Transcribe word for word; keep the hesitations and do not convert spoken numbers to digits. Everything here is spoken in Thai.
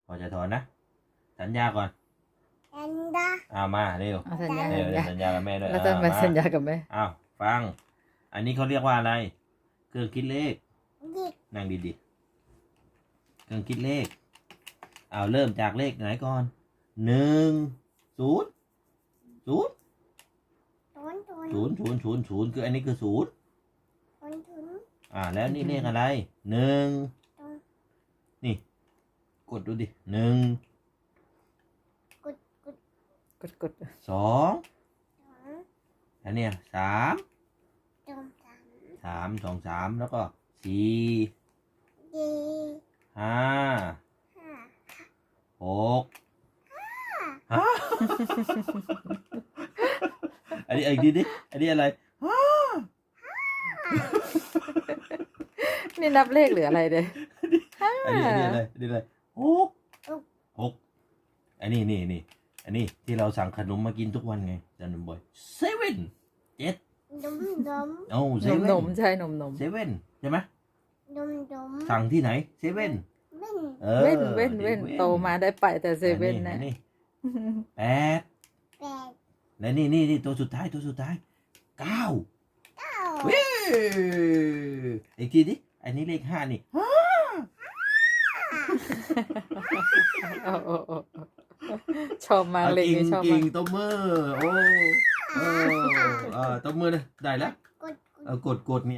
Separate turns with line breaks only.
อจะถอนนะสัญญาก่อนสัญญาเอามาเร็ว
เอาสัญญา
เร็ว
สัญญา
สัญญากับแม่ด้วย
แล้วจะมาสัญญากับแม่
อ้าวฟังอันนี้เขาเรียกว่าอะไรเครื่องคิดเลขนั่งดีๆเครื่องคิดเลขเอาเริ่มจากเลขไหนก่อนหนึ่งศูนย์ศูนย์ศูนย์ศูนย์ศูนย์ศูนย์คืออันนี้คือศูนย์อ่าแล้วนี่เลขอะไรหนึ่งนี่กดดูดิหนึ่ง
กดกด
สองอันเนี้ยสามสามสองสามแล้วก็สี่ห้าหกฮะอันนี้อีกทีดิอันนี้อะไรห้า
นี่นับเลขหรืออะไรเด้ห้า
อันนี้อันนี้อะไรอันนี้อะไรหกหกอันนี้นี่นี่อันนี้ที่เราสั่งขนมมากินทุกวันไงจันทร์บ่อยเซเว่นเจ็ดโอ้เซ
นม
เว่
น
น
มใช่นมนม
เซเว่นใช่ไหมสั่งที่ไหนเซเว่นเออ
เว้นเว้นเว้นโตมาได้ไปแต่เซเว่นนะ
อันี่แปดและนี่นี่นี่ตัวสุดท้ายตัวสุดท้ายเก้าเว้ยอีกทีดิอันนี้เลขห้านี่
โอ้โอ้โอ้ชอบมากเลย
กิ่ง
นี่ชอบ
กิ่
มาง ก
ตบมือโอ้โอ้เออตบมือเลยได้แล้วเออกดกดเนี่ย